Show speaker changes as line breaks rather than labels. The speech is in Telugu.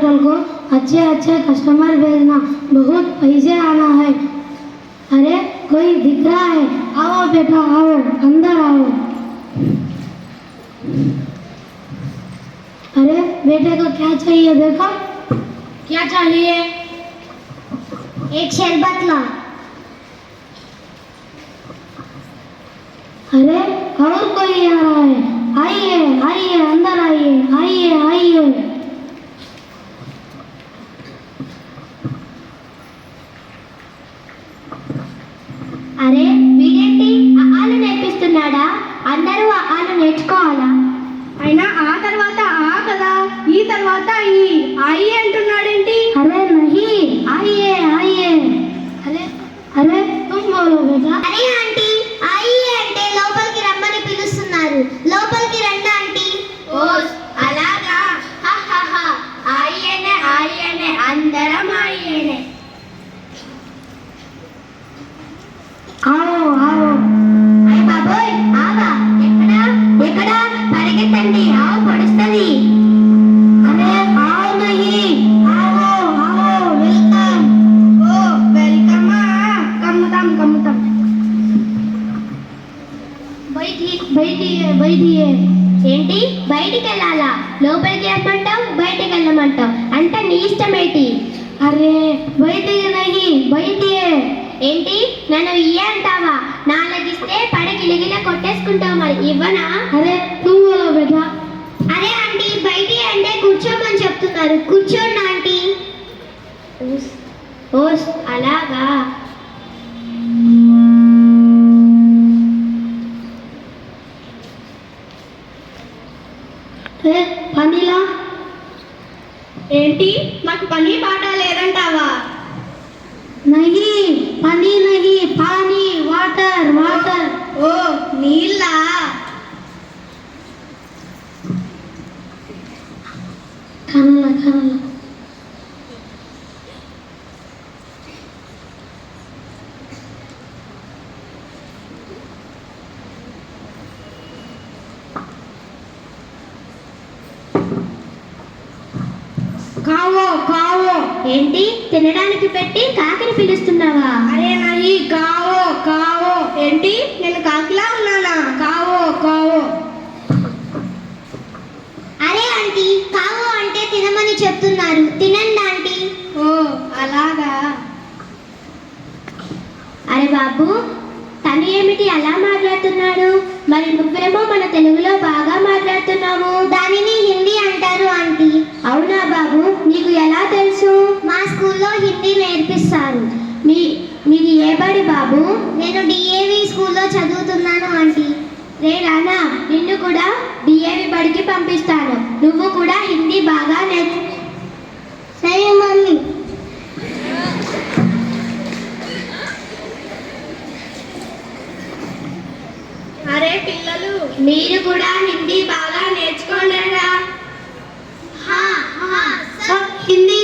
अंकल को अच्छे अच्छे कस्टमर भेजना, बहुत पैसे आना है। अरे कोई दिख रहा है, आओ बेटा आओ, अंदर आओ। अरे बेटे को क्या चाहिए देखो।
क्या चाहिए?
एक शरबत ला।
अरे और कोई आ रहा है, आइए आइए अंदर आइए, आइए आइए।
అరే వీడేంటి ఆలు నేర్పిస్తున్నాడా? అందరూ ఆలు నేర్చుకోవాలా?
అయినా ఆ తర్వాత ఆ కదా, ఈ తర్వాత ఈ ఆయి అంటున్నాడేంటి?
अरे नहीं, आइए आइए। अरे अरे तुम बोलो बेटा।
అరే ఆంటీ, ఆయి అంటే లోపలికి రమ్మని పిలుస్తున్నారు, లోపలికి రండి ఆంటీ.
ఓ అలాగా, ఆయనే అందరం ఆయనే.
आओ आओ।
అయ్ బాబోయ్, ఆవా ఎక్కడ ఎక్కడ పరిగెత్తండి, ఆవు పొడుస్తుంది.
अरे आओ नहीं, आओ आओ, वेलकम।
ఓ వెల్కమా, కమ్ముతాం.
बैठिए बैठिए।
ఏంటి బయటికి వెళ్ళాలా? లోపలికి రమ్మంటావు, బయటికి వెళ్ళమంటావు, అంటే నీ ఇష్టమేంటి?
अरे बैठिए नहीं, बैठिए।
ఏంటి నన్ను ఇయ్య అంటావా? నాలుగిస్తే పడి గిలగిల కొట్టేసుకుంటావు, మరి ఇవ్వనా?
अरे तुम बोलो बेटा।
అరే ఆంటీ, బయటి అంటే కూర్చోమని చెప్తున్నారు, కూర్చోండి ఆంటీ. ఓస్ అలాగా.
ए पानी ला।
ఏంటి మాకు పని పాట లేదంటావా?
नहीं पानी नहीं, पानी, वाटर वाटर।
ఓ నీళ్ళ.
खाना ला।
కావో కావో.
ఏంటి తినడానికి పెట్టి కాకిని పిలుస్తున్నావా?
అరే నాయి కావో. ఏంటి నేను కాకిలా ఉన్నానా? కావో.
అరే ఆంటీ, కావు అంటే తినమని చెప్తున్నారు, తినండి ఆంటీ.
ఓ అలాగా.
అరే బాబు, తను ఏమిటి అలా మాట్లాడుతున్నాడు? మరి నువ్వేమో మన తెలుగులో బాగా మాట్లాడుతున్నావు. దానిని హిందీ అంటారు ఆంటీ. అవునా బాబు, నీకు ఎలా తెలుసు? మా స్కూల్లో హిందీ నేర్పిస్తారు. మీది ఏ బడి బాబు? నేను డిఏవి స్కూల్లో చదువుతున్నాను ఆంటీ. రే రానా, నిన్ను కూడా డిఏవి బడికి పంపిస్తాను, నువ్వు కూడా హిందీ బాగా నేర్చు. సరే మమ్మీ.
అరే పిల్లలు,
మీరు కూడా హిందీ బాగా నేర్చుకోండిరా.
सब हिंदी